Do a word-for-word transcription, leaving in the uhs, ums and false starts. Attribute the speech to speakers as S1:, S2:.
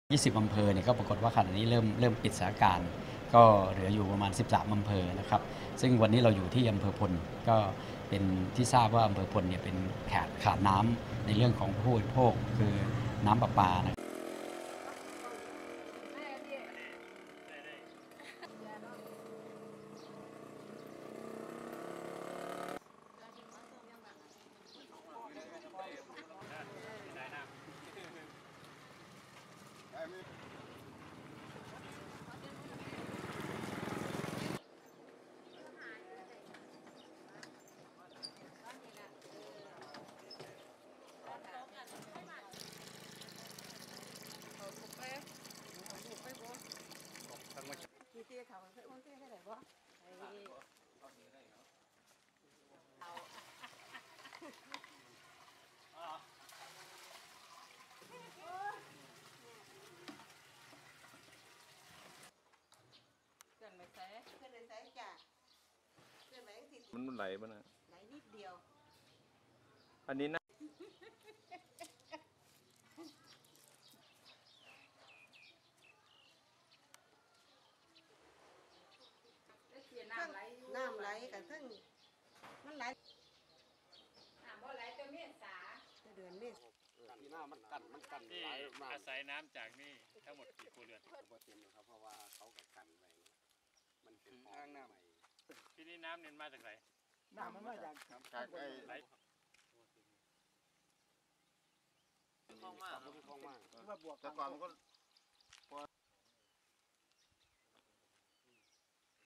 S1: ยี่สิบอำเภอเนี่ยก็ปรากฏว่าขณะนี้เริ่มเริ่มปิดสถานการณ์ก็เหลืออยู่ประมาณสิบสามอำเภอนะครับซึ่งวันนี้เราอยู่ที่อำเภอพลก็เป็นที่ทราบว่าอำเภอพลเนี่ยเป็นขาดขาดน้ำในเรื่องของผู้บริโภคคือน้ำประปานะ
S2: มันมันไหลป่ะนะ
S3: ไหลนิดเดียว
S2: อันนี้นะ
S3: น้ำไหลกับซึ่งมันไหลน้ำบ่ไหลตัวเมษาเดือนเมษา
S4: ที่หน้ามันกันมันกันไหลมา
S5: อาศัยน้ำจากนี่ทั้งหมดกี่ครัวเรือน
S4: ผมว่าเต็มครับเพราะว่าเขากับกันไว้มันเป็นอ่างน้ำ
S5: ที่นี่น้ำเนี่ยมาจากไหน
S4: น้ำมันมาจากจากไอ้ไหลคลองมากคลองมากแต่ก่อนมันก็